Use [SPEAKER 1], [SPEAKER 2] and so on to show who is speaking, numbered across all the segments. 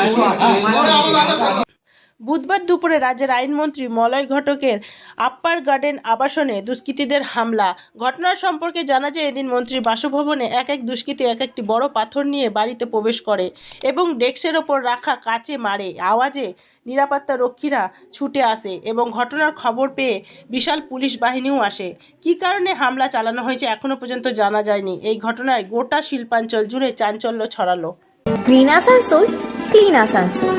[SPEAKER 1] বুধবার দুপুরে রাজ্যের আইনমন্ত্রী মলয় ঘটকের আপ্পার গার্ডেন আবাসনে দুষ্কৃতীদের হামলা। ঘটনার সম্পর্কে জানা যায়, এদিন মন্ত্রীর বাসভবনে এক দুষ্কৃতী একটি বড় পাথর নিয়ে বাড়িতে প্রবেশ করে এবং ডেস্কের ওপর রাখা কাচে মারে। আওয়াজে নিরাপত্তা রক্ষীরা ছুটে আসে এবং ঘটনার খবর পেয়ে বিশাল পুলিশ বাহিনীও আসে। কী কারণে হামলা চালানো হয়েছে এখনো পর্যন্ত জানা যায়নি। এই ঘটনায় গোটা শিল্পাঞ্চল জুড়ে চাঞ্চল্য ছড়ালো।
[SPEAKER 2] Green Asansol, clean Asansol.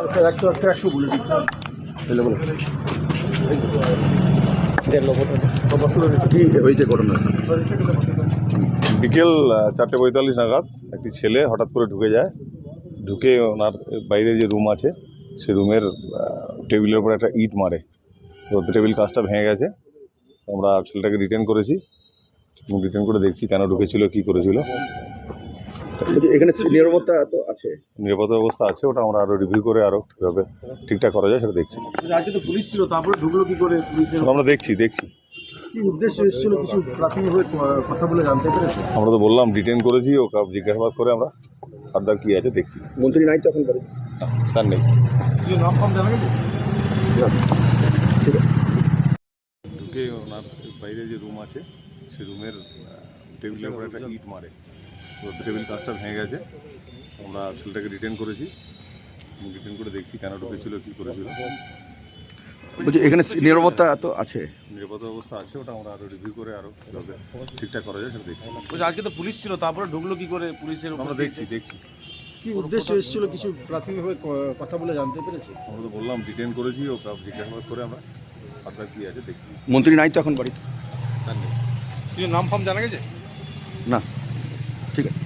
[SPEAKER 3] বিকেল 4:45 নাগাদ একটি ছেলে হঠাৎ করে ঢুকে ওনার বাইরে যে রুম আছে সেই রুমের টেবিলের উপর একটা ইট মারে। তো টেবিল কাজটা ভেঙে গেছে। আমরা ছেলেটাকে ডিটেন করেছি এবং ডিটেন করে দেখছি কেন ঢুকেছিল, কী করেছিল।
[SPEAKER 4] এখানে নিরাপত্তা তো আছে,
[SPEAKER 3] নিরাপত্তা ব্যবস্থা আছে, ওটা আমরা আরও রিভিউ করে আরও কীভাবে ঠিকঠাক করা যায় সেটা দেখছি।
[SPEAKER 4] আজকে তো পুলিশ ছিল, তারপরে ঢুকলো কি করে পুলিশের?
[SPEAKER 3] আমরা দেখছি
[SPEAKER 4] কি উদ্দেশ্যে এসেছিল কিছু প্রাথমিকভাবে কথা বলে জানতে পেরেছে?
[SPEAKER 3] আমরা তো বললাম ডিটেন করেছি, ও জিজ্ঞাসাবাদ করে আমরা ফার্দার কী আছে দেখছি।
[SPEAKER 4] মন্ত্রী নাই তো এখন বাড়ি?
[SPEAKER 3] স্যার নেই।
[SPEAKER 4] নাম ফাম জানা গেছে? ঠিক আছে।
[SPEAKER 3] ঢুকে ওনার বাইরে যে রুম আছে সেই রুমের টেবিলের উপর একটা ইট মারে। তো টেবিল কাজটা ভেঙে গেছে। আমরা ছেলেটাকে ডিটেন করেছি এবং ডিটেন করে দেখছি কেন ঢুকেছিল, কী করেছিল।
[SPEAKER 4] বলছি এখানে নিরাপত্তা তো আছে,
[SPEAKER 3] নিরাপত্তা ব্যবস্থা আছে, ওটা আমরা আরও রিভিউ করে আরও কীভাবে ঠিকঠাক করা যায় সেটা দেখছি।
[SPEAKER 5] বলছি আজকে তো পুলিশ ছিল, তারপরে ঢুকলো কি করে পুলিশের?
[SPEAKER 3] আমরা দেখছি
[SPEAKER 4] কি উদ্দেশ্যে এসেছিল কিছু প্রাথমিকভাবে কথা বলে জানতে পেরেছে?
[SPEAKER 3] আমরা তো বললাম ডিটেন করেছি, ও জিজ্ঞাসাবাদ করে আমরা ফার্দার কী আছে দেখছি।
[SPEAKER 4] মন্ত্রী নাই তো এখন বাড়ি?
[SPEAKER 3] স্যার নেই।
[SPEAKER 5] কিছু নাম ফাম জানা গেছে?
[SPEAKER 4] না, ঠিক আছে।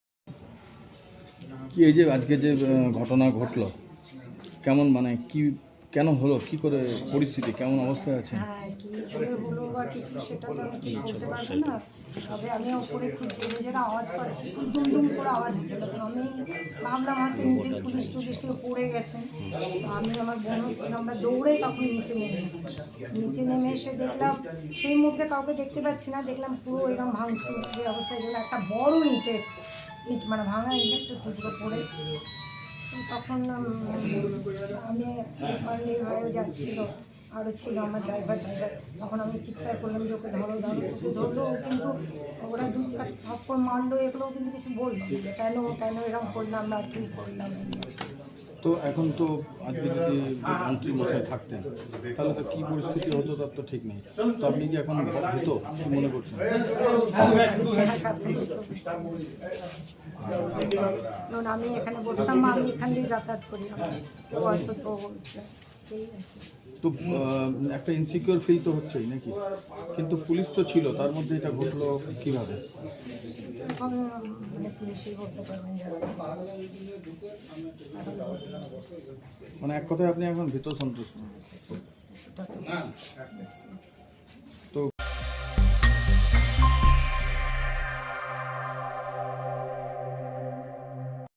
[SPEAKER 6] কি এই যে আজকে যে ঘটনা ঘটলো, কেমন মানে কি কেন হলো, কি করে পরিস্থিতি, কেমন অবস্থায় আছে?
[SPEAKER 7] হ্যাঁ, কি করে হলো বা কিছু সেটা তো আমি ঠিক বলতে পারবো না। তবে আমি ওপরে খুব জোরে জোরে আওয়াজ পাচ্ছি, খুব দুম করে আওয়াজ হচ্ছিল। তো আমি ভাবলাম হয়তো নিচে পুলিশ টুলিশ কেউ পড়ে গেছেন। তো আমি আমার বোন ছিল, আমরা দৌড়ে তখন নিচে নেমে এসেছি। নিচে নেমে এসে দেখলাম সেই মুহূর্তে কাউকে দেখতে পাচ্ছি না, দেখলাম পুরো এরকম ভাঙচুর যে অবস্থায় গেলো, একটা বড় ইট মানে ভাঙা ইটের টুকরো পড়ে। তখন আমি আমার ভাইও যাচ্ছিল, আরও ছিল আমার ড্রাইভার। তখন আমি চিৎকার করলাম যে ওকে ধরো, ওকে ধরলো, কিন্তু ওরা 2-4 থাপ্পড় মারলো, এগুলোও কিন্তু কিছু বললো কেন এরকম করলাম বা কী করলাম।
[SPEAKER 6] তো এখন তো আজকে যদি মন্ত্রী মশাই থাকতেন তাহলে তো কী পরিস্থিতি হতো তার তো ঠিক নেই। তো আপনি কি এখন হতো কী মনে করছেন?
[SPEAKER 7] কারণ আমি এখানে বসতাম, আমি এখান দিয়ে যাতায়াত করি, হয়তো তো
[SPEAKER 6] তো একটা ইনসিকিউর ফিল তো হচ্ছেই নাকি, কিন্তু পুলিশ তো ছিল, তার মধ্যে এটা ঘটলো কীভাবে?
[SPEAKER 7] মানে পুলিশই করতে পারবেন
[SPEAKER 6] মানে এক কথায় আপনি এখন ভীত সন্তুষ্ট।